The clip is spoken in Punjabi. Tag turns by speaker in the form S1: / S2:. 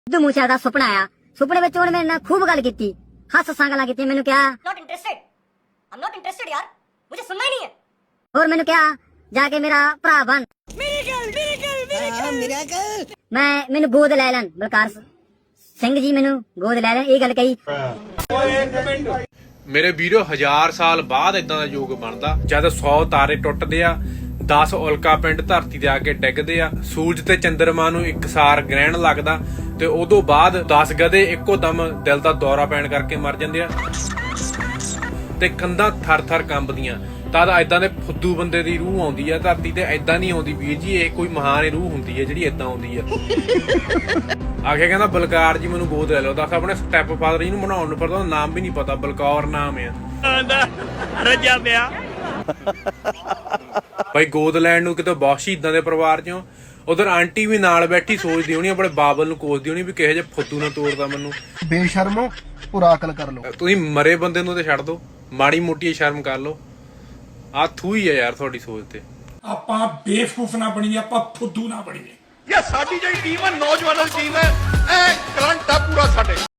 S1: ਸਿੱਧੂ ਮੂਸੇਵਾਲੇ ਦਾ ਸੁਪਨਾ ਆਇਆ। ਸੁਪਨੇ ਵਿੱਚ ਉਹਨੇ ਮੇਰੇ ਨਾਲ ਖੂਬ ਗੱਲ ਕੀਤੀ, ਹੱਸ ਹੱਸਾਂ ਗੱਲਾਂ ਕੀਤੀਆਂ। ਮੈਨੂੰ ਕਿਹਾ
S2: नॉट इंटरेस्टेड यार, मुझे सुनना ही नहीं है।
S1: ਹੋਰ ਮੈਨੂੰ ਕਿਹਾ ਜਾ ਕੇ ਮੇਰਾ ਭਰਾ ਬਣ। ਮੈਨੂੰ ਗੋਦ ਲੈ ਲੈਣ ਬਲਕਾਰ ਸਿੰਘ ਜੀ, ਮੈਨੂੰ ਗੋਦ ਲੈ ਲੈਣ, ਇਹ ਗੱਲ ਕਹੀ।
S3: ਮੇਰੇ ਵੀਰੋ 1000 ਸਾਲ ਬਾਅਦ ਇਦਾਂ ਦਾ ਯੁੱਗ ਬਣਦਾ ਜਦ 100 ਤਾਰੇ ਟੁੱਟਦੇ ਆ, 10 ਉਲਕਾ ਪਿੰਡ ਧਰਤੀ ਤੇ ਆ ਕੇ ਡਿੱਗਦੇ ਆ, ਸੂਰਜ ਤੇ ਚੰਦਰਮਾ ਨੂੰ ਇੱਕਸਾਰ ਗ੍ਰਹਿਣ ਲੱਗਦਾ ਤੇ ਉਦੋਂ ਬਾਅਦ 10 ਗਧੇ ਇੱਕੋ ਦਮ ਦਿਲ ਦਾ ਦੌਰਾ ਪੈਣ ਕਰਕੇ ਮਰ ਜਾਂਦੇ ਆ ਤੇ ਕੰਧਾਂ ਥਰ-ਥਰ ਕੰਬਦੀਆਂ। ਤਦ ਏਦਾਂ ਦੇ ਫੁੱਦੂ ਬੰਦੇ ਦੀ ਰੂਹ ਆਉਂਦੀ ਆ ਧਰਤੀ ਤੇ, ਏਦਾਂ ਨਹੀਂ ਆਉਂਦੀ ਵੀਰ ਜੀ। ਇਹ ਕੋਈ ਮਹਾਨ ਰੂਹ ਹੁੰਦੀ ਹੈ ਜਿਹੜੀ ਏਦਾਂ ਆਉਂਦੀ ਆ। ਆਖਿਆ ਕਹਿੰਦਾ ਬਲਕਾਰ ਜੀ ਮੈਨੂੰ ਗੋਦ ਲੈ ਲਓ। ਦੱਸ ਆਪਣੇ ਸਟੈਪ ਫਾਦਰ ਜੀ ਨੂੰ ਬਣਾਉਣ ਨੂੰ ਪਤਾ, ਨਾਮ ਵੀ ਨਹੀਂ ਪਤਾ, ਬਲਕੌਰ ਨਾਮ ਆ।
S4: ਰੱਜਾ ਪਿਆ
S3: ਭਾਈ ਗੋਦ ਲੈਣ ਨੂੰ ਕਿਤੇ ਬਹੁਤ ਸ਼ਹੀਦਾਂ ਦੇ ਪਰਿਵਾਰ ਚੋਂ। ਉਧਰ ਆਂਟੀ ਵੀ ਨਾਲ ਬੈਠੀ ਸੋਚਦੀ ਹੋਣੀ, ਆਪਣੇ ਬਾਬਲ ਨੂੰ ਕੋਸਦੀ ਹੋਣੀ ਵੀ ਕਿਹੋ ਜਿਹੇ ਫੁੱਦੂ ਨਾਲ ਤੋੜਦਾ ਮੈਨੂੰ।
S5: ਬੇਸ਼ਰਮੋ ਪੂਰਾ ਅਕਲ ਕਰ ਲਓ।
S3: ਤੁਸੀਂ ਮਰੇ ਬੰਦੇ ਨੂੰ ਤੇ ਛੱਡ ਦੋ, ਮਾੜੀ ਮੋਟੀ ਸ਼ਰਮ ਕਰ ਲਓ। ਆ ਥੂ ਹੀ ਆ ਯਾਰ ਤੁਹਾਡੀ ਸੋਚ ਤੇ।
S6: ਆਪਾਂ ਬੇਵਕੂਫ ਨਾ ਬਣੀਏ, ਆਪਾਂ ਫੁੱਦੂ ਨਾ ਬਣੀਏ।
S4: ਇਹ ਸਾਡੀ ਜਿਹੜੀ ਟੀਮ ਹੈ ਨੌਜਵਾਨਾਂ ਦੀ ਟੀਮ ਹੈ, ਇਹ ਕਰੰਟ ਆ ਪੂਰਾ ਸਾਡੇ।